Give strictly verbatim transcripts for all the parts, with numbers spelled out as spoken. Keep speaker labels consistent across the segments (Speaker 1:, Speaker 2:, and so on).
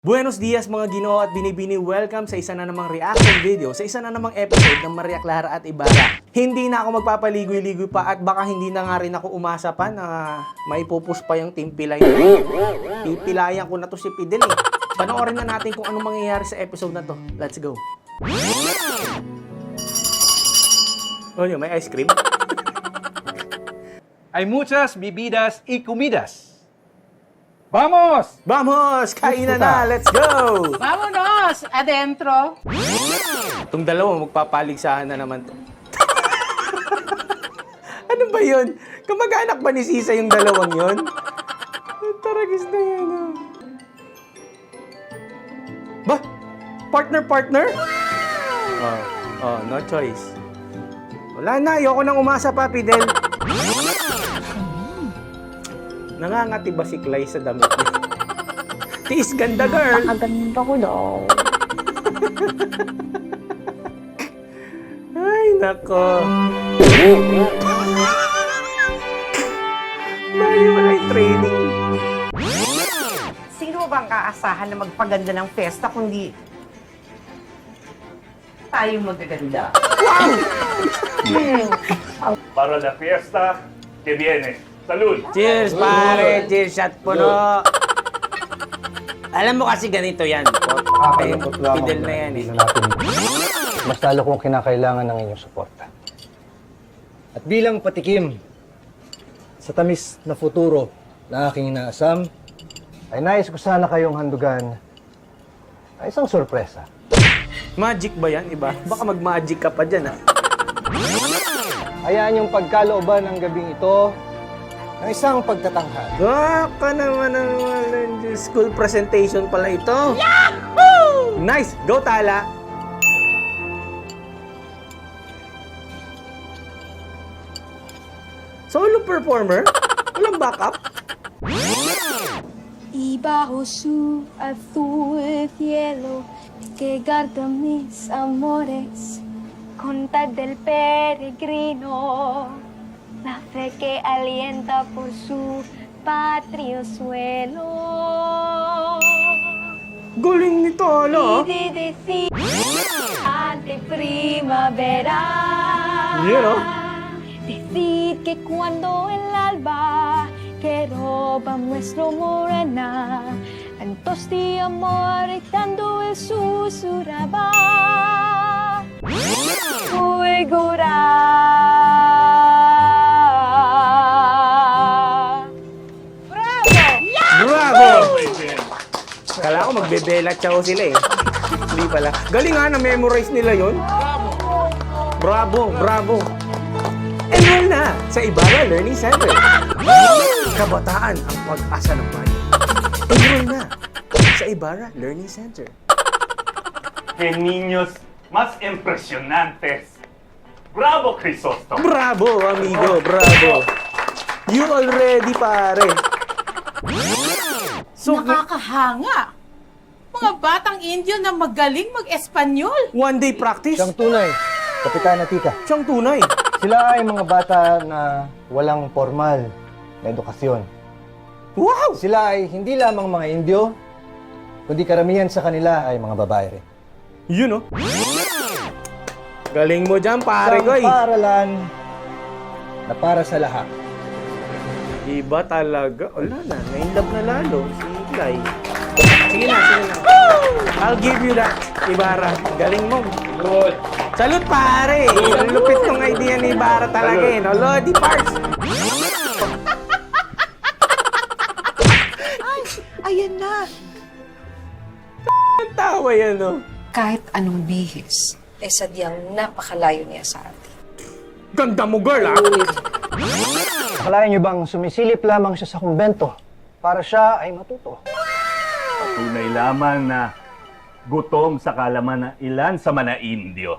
Speaker 1: Buenos dias mga Ginoo at binibini, welcome sa isa na namang reaction video, sa isa na namang episode ng Maria Clara at Ibarra. Hindi na ako magpapaligoy-ligoy pa at baka hindi na nga rin ako umasa pa na maipupus pa yung Team Pilay. Pipilayan ko na to si Fidel eh. Panoorin na natin kung anong mangyayari sa episode na to. Let's go. Oh, yun, may ice cream?
Speaker 2: Hay muchas bebidas y comidas. ¡Vamos!
Speaker 1: Vamos! Kainan na! Let's go!
Speaker 3: Vámonos! Adentro!
Speaker 1: Itong dalawa, magpapaligsahan na naman to. Ano ba yun? Kamag-anak ba ni Sisa yung dalawang yun? Ang taragis na yan, oh. Ba? Partner-partner? Oh, oh, no choice. Wala na, ayoko nang umasa pa, Fidel. Nangangati ba si Clay sa damit niya? Tiis ganda, girl!
Speaker 4: Napakaganda ko daw.
Speaker 1: Ay, nako. Layo na yung training.
Speaker 3: Sino bang kaasahan na magpaganda ng festa kundi tayo magaganda?
Speaker 5: Para la fiesta que viene. Salud!
Speaker 1: Cheers, pare! Cheers, shot puno! Alam mo kasi ganito yan. Okay, Fidel na yan eh.
Speaker 6: Natin. Mas lalo kong kinakailangan ng inyong suporta. At bilang patikim sa tamis na futuro na aking inaasam, ay nais ko sana kayong handugan ay isang sorpresa.
Speaker 1: Magic ba yan, iba? Baka mag-magic ka pa dyan, ha?
Speaker 6: Hayaan yung pagkalooban ng gabing ito ng isang pagtatanghal.
Speaker 1: Ah, ka naman naman. School presentation pala ito. Yahoo! Nice! Go, Tala! Solo performer? Walang backup?
Speaker 4: Y bajo su azul cielo que guarda mis amores, contar del peregrino, la fe que alienta por su patrio suelo.
Speaker 1: Galing ni Tala, ah.
Speaker 4: Y de decir ante primavera.
Speaker 1: Yeah, no?
Speaker 4: Decir que cuando el alba que roba nuestro morena, cantos de amor gritando el susurraba.
Speaker 1: Bravo! Kala ko magbebela chow sila eh. Hindi pala. Galing nga, na-memorize nila yon. Bravo! Bravo! Enroll na sa Ibarra Learning Center. Kabataan ang pag-asa ng bayan. Enroll na sa Ibarra Learning Center.
Speaker 5: ¡Qué niños más impresionantes! ¡Bravo, Crisóstomo!
Speaker 1: Bravo, amigo! Bravo! You already, pare! So,
Speaker 3: Nakakahanga! Mga batang Indio na magaling mag-Espanyol!
Speaker 1: one day practice?
Speaker 6: Siyang tunay, Kapitana Tika.
Speaker 1: Siyang tunay.
Speaker 6: Sila ay mga bata na walang formal na edukasyon.
Speaker 1: Wow!
Speaker 6: Sila ay hindi lamang mga Indio, kundi karamihan sa kanila ay mga babae rin.
Speaker 1: Yun, oh. Galing mo dyan, pare ko,
Speaker 6: Isang
Speaker 1: eh.
Speaker 6: paaralan na para sa lahat.
Speaker 1: Iba talaga. Wala na. Na-inlove na lalo. Si Clay. Sige na, sige na. I'll give you that, Ibarra. Galing mo. Good. Salute, pare. Ang lupit ng idea ni Ibarra talaga, eh. No? Lodi parts.
Speaker 3: Ayan na!
Speaker 1: Ang tawa yan, no?
Speaker 7: Kahit anong bihis, eh sadyang napakalayo niya sa atin.
Speaker 1: Ganda mo, girl, ah.
Speaker 6: Akalain niyo bang sumisilip lamang siya sa kumbento para siya ay matuto?
Speaker 5: Tunay lamang na gutom sa kalaman ng ilan sa mga Indio.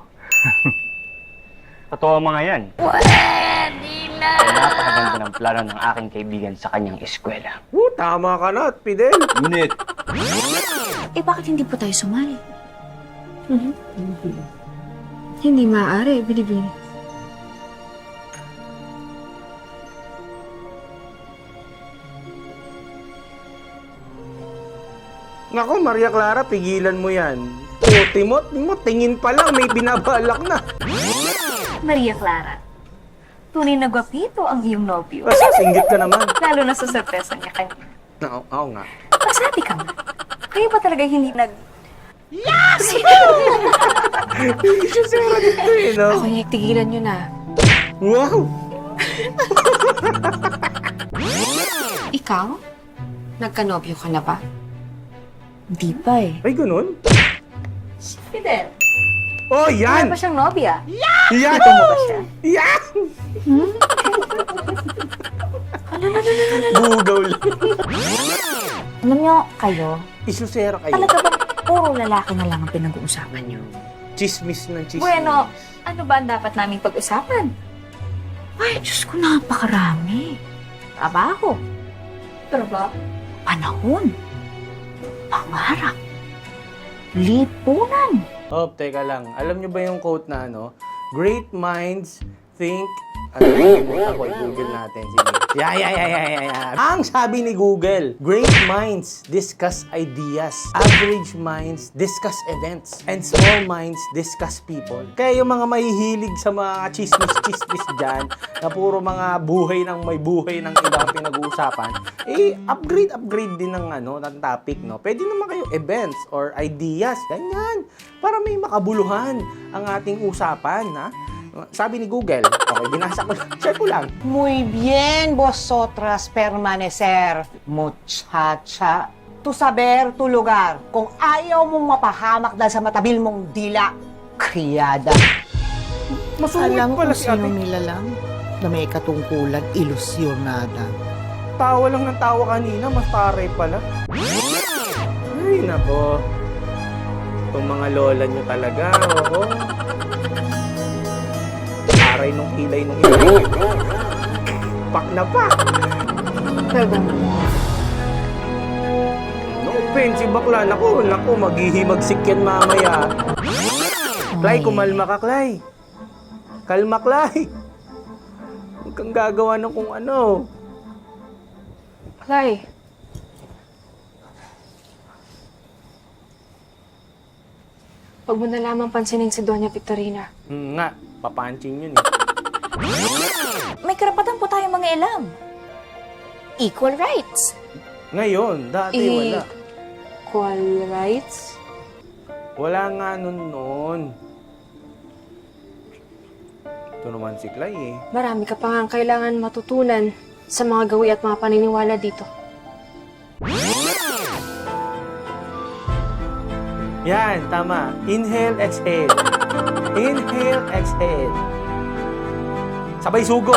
Speaker 8: Totoo mga yan. Pwede na! Napakaganda ng plano ng aking kaibigan sa kanyang eskwela.
Speaker 1: Uh, tama ka na, Fidel.
Speaker 5: Ngunit,
Speaker 4: Eh bakit hindi po tayo sumali? Mhm. Hindi maaari, Bilibili.
Speaker 1: Nako, Maria Clara, pigilan mo yan. O, Timot, mo, tingin pa lang, may binabalak na.
Speaker 4: Maria Clara, tunay na gwapito ang iyong nobyo.
Speaker 1: Basta, singgit ka naman.
Speaker 4: Lalo na sa sorpresa niya kanina.
Speaker 1: Oo, oo nga.
Speaker 4: Magsabi ka nga. Kayo ba talaga hindi nag...
Speaker 1: Hindi siya sera dito eh, no?
Speaker 4: Ako niya, tigilan nyo na.
Speaker 1: Wow!
Speaker 7: Ikaw? Nagkanobyo ka na ba?
Speaker 4: Hindi pa eh.
Speaker 1: Ay, ganun?
Speaker 4: Si Fidel.
Speaker 1: Oh,
Speaker 4: Wala
Speaker 1: yan!
Speaker 4: pa siyang nobya.
Speaker 1: Yan!
Speaker 4: Ito mo ba siya?
Speaker 1: Yan! Bugaw lang.
Speaker 4: Alam nyo, kayo,
Speaker 1: Isusera kayo.
Speaker 4: talaga ba puro lalaki na lang ang pinag-uusapan nyo?
Speaker 1: Chismis ng chismis.
Speaker 4: Bueno, ano ba ang dapat naming pag-usapan? Ay, Diyos ko, napakarami. Trabaho. Trabaho? Panahon. Pangarap. Lipunan.
Speaker 1: Oh, teka lang. Alam niyo ba yung quote na ano? Great minds think... Ano, nakalimutan ko, i-google natin. Sige. Yeah, yeah, yeah, yeah, yeah, yeah. Ang sabi ni Google, great minds discuss ideas. Average minds discuss events. And small minds discuss people. Kaya yung mga mahihilig sa mga chismis-chismis dyan, na puro mga buhay ng may buhay ng ibang pinag-uusapan, eh, upgrade, upgrade din ng, ano, ng topic, no? Pwede naman kayo events or ideas. Ganyan. Para may makabuluhan ang ating usapan, ha? Sabi ni Google. Okay, binasa ko lang. Share ko lang.
Speaker 3: Muy bien, vosotras permanecer, muchacha. Tu saber, tu lugar. Kung ayaw mong mapahamak dahil sa matabil mong dila, kriyada.
Speaker 1: Masungit
Speaker 9: Alam
Speaker 1: pala
Speaker 9: kung
Speaker 1: si ate.
Speaker 9: sino nilalang na may katungkulan, ilusyonada.
Speaker 1: Tawa lang ng tawa kanina, mas pare pala. Ay, nako. Itong mga lola nyo talaga, oo. Aray nung kilay nung ito. Pak na pa. No offense, si bakla. Naku, naku, maghihimagsik yan mamaya. Clay, kumalma ka, Clay. Kalma, Clay. Huwag kang gagawa ng kung ano.
Speaker 7: Clay. Huwag mo na lamang pansinin si Doña Victorina.
Speaker 1: Hmm, nga, papancing yun eh.
Speaker 4: May karapatan po tayong mga ilam. Equal rights.
Speaker 1: Ngayon, dati
Speaker 7: Eh,
Speaker 1: wala.
Speaker 7: Equal rights?
Speaker 1: Wala nga nun noon. Ito naman si Clay eh.
Speaker 7: Marami ka pa nga kailangan matutunan sa mga gawi at mga paniniwala dito.
Speaker 1: Yan, tama. Inhale, exhale. Inhale, exhale. Sabay sugod.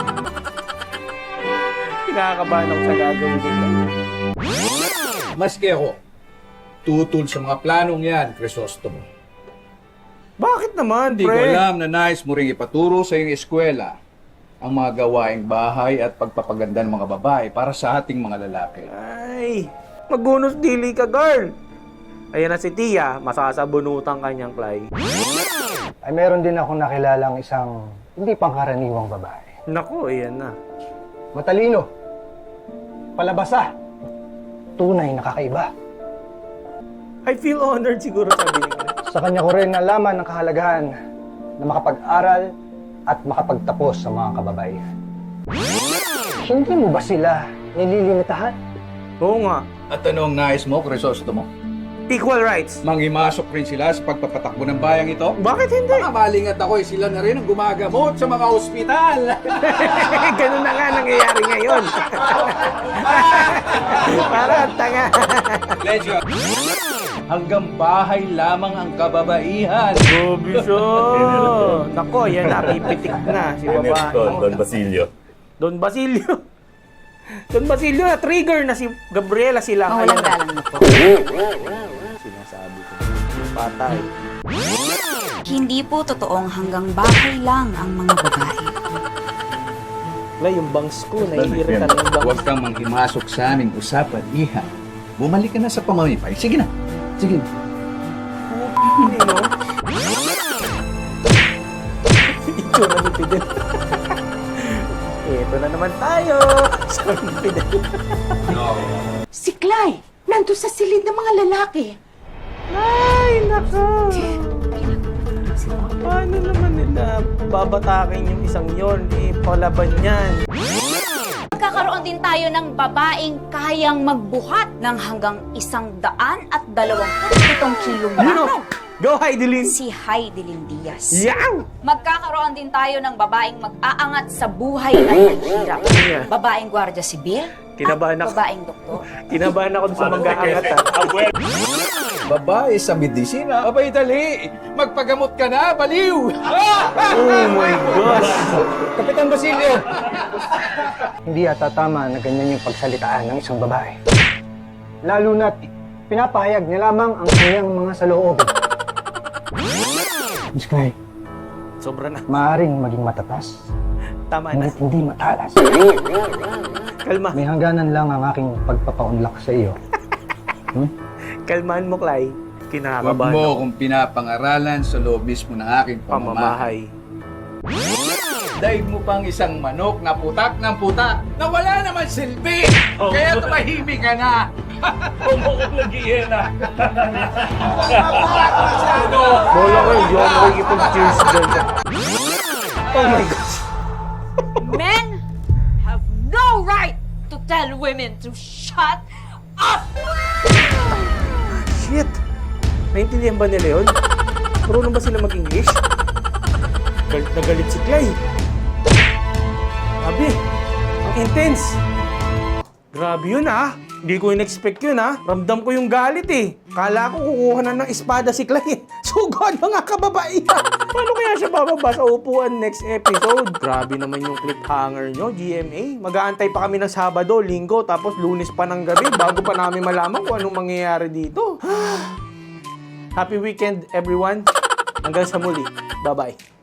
Speaker 1: Kinakabahan ako sa gagawin ko.
Speaker 2: Maski ako, tutol sa mga planong yan, Crisostomo.
Speaker 1: Bakit naman,
Speaker 2: Hindi ko
Speaker 1: pre?
Speaker 2: alam na nais mo rin ipaturo sa iyong eskwela ang mga gawaing bahay at pagpapaganda ng mga babae para sa ating mga lalaki.
Speaker 1: Ay, magunos dili ka, girl. Ayan na si Tia, masasabunutan kanyang Clay.
Speaker 6: Ay meron din akong nakilalang isang hindi pangkaraniwang babae.
Speaker 1: Naku, ayan na.
Speaker 6: Matalino. Palabasa. Tunay na kakaiba.
Speaker 1: I feel honored siguro, sabi ni Clay.
Speaker 6: Sa kanya ko rin nalaman ang kahalagahan na makapag-aral at makapagtapos sa mga kababaihan. Hindi mo ba sila nililimitahan?
Speaker 1: Oo nga.
Speaker 2: At anong nais mo, Crisostomo?
Speaker 1: Equal rights.
Speaker 2: Manghimasok rin sila sa pagpapatakbo ng bayang ito?
Speaker 1: Bakit hindi?
Speaker 2: Makabaling at ako, sila na rin ang gumagamot sa mga ospital.
Speaker 1: Ganun na nga nangyayari ngayon. Parang tanga.
Speaker 2: Lecho, hanggang bahay lamang ang kababaihan.
Speaker 1: Gobi siya. Nako, yan na. Pipitik na si babae.
Speaker 5: Don Basilio.
Speaker 1: Don Basilio. Don Basilio na trigger na si Gabriela sila.
Speaker 4: Mawalang galang na po.
Speaker 1: Sinasabi ko. Patay.
Speaker 4: Hindi po totoong hanggang bahay lang ang mga babae.
Speaker 1: Wala, yung bangs ko. Naiirita na yung bangs.
Speaker 2: Huwag kang manghimasok sa aming usapan, Iha. Bumalik ka na sa pamamipay. Sige na. Sige.
Speaker 1: Hindi, no? Ito na ni Fidel. Ito na naman tayo. Sabi ni Fidel.
Speaker 3: Si Clay!
Speaker 9: nandun sa silid ng mga lalaki.
Speaker 1: Ay, nako. Paano naman nila babatakin yung isang yon? Eh, palaban yan.
Speaker 10: Magkakaroon din tayo ng babaeng kayang magbuhat ng hanggang isang daan at dalawang pitong kilong
Speaker 1: Ano?
Speaker 10: lamang.
Speaker 1: Go, Heidelin!
Speaker 10: Si Heidelin Diaz.
Speaker 1: Yang!
Speaker 10: Magkakaroon din tayo ng babaeng mag-aangat sa buhay at naghihirap.
Speaker 1: Yeah.
Speaker 10: Babaeng gwardiya sibil
Speaker 1: Kinabahan
Speaker 10: at
Speaker 1: ako.
Speaker 10: babaeng doktor.
Speaker 1: Kinabahan ako sa mag-aangat, ha?
Speaker 2: Babae sa medisina, abay dali. Magpagamot ka na, baliw.
Speaker 1: Oh my gosh!
Speaker 6: Kapitan Basilio! Hindi yata tama na ganyan yung pagsalitaan ng isang babae. Lalo na't pinapahayag niya lamang ang kanyang mga saloob. Miss Clay,
Speaker 1: Sobra na.
Speaker 6: maaaring maging matatas,
Speaker 1: Tama na.
Speaker 6: ngunit hindi matalas.
Speaker 1: Kalma.
Speaker 6: May hangganan lang ang aking pagpapaunlak sa iyo. Hmm?
Speaker 1: Kalmahan mo, Clay.
Speaker 2: Huwag
Speaker 1: Kinakabahan
Speaker 2: mo
Speaker 1: ako.
Speaker 2: kung pinapangaralan sa loob mismo ng aking pamamahay.
Speaker 1: Pamamahay.
Speaker 2: Daig mo pang isang manok na putak ng putak na wala naman silbi. Kaya tumahimik ka na.
Speaker 1: Bola ko, hindi ako makikipag-cheers dyan. Oh my gosh.
Speaker 10: Men have no right to tell women to shut up!
Speaker 1: Shit! Naintindihan ba nila yun? Marunong ba sila mag-English? Galit na galit si Clay. Grabe, ang intense. Grabe yun ah. Hindi ko in-expect yun ah. Ramdam ko yung galit eh. Kala ko kukuha na ng espada si Clay. Sugod mga kababaihan. Paano kaya siya bababa sa upuan next episode? Grabe naman yung cliffhanger nyo, G M A. Mag-aantay pa kami ng Sabado, Linggo, tapos Lunes pa ng gabi bago pa namin malaman kung anong mangyayari dito. Happy weekend, everyone. Hanggang sa muli. Bye-bye.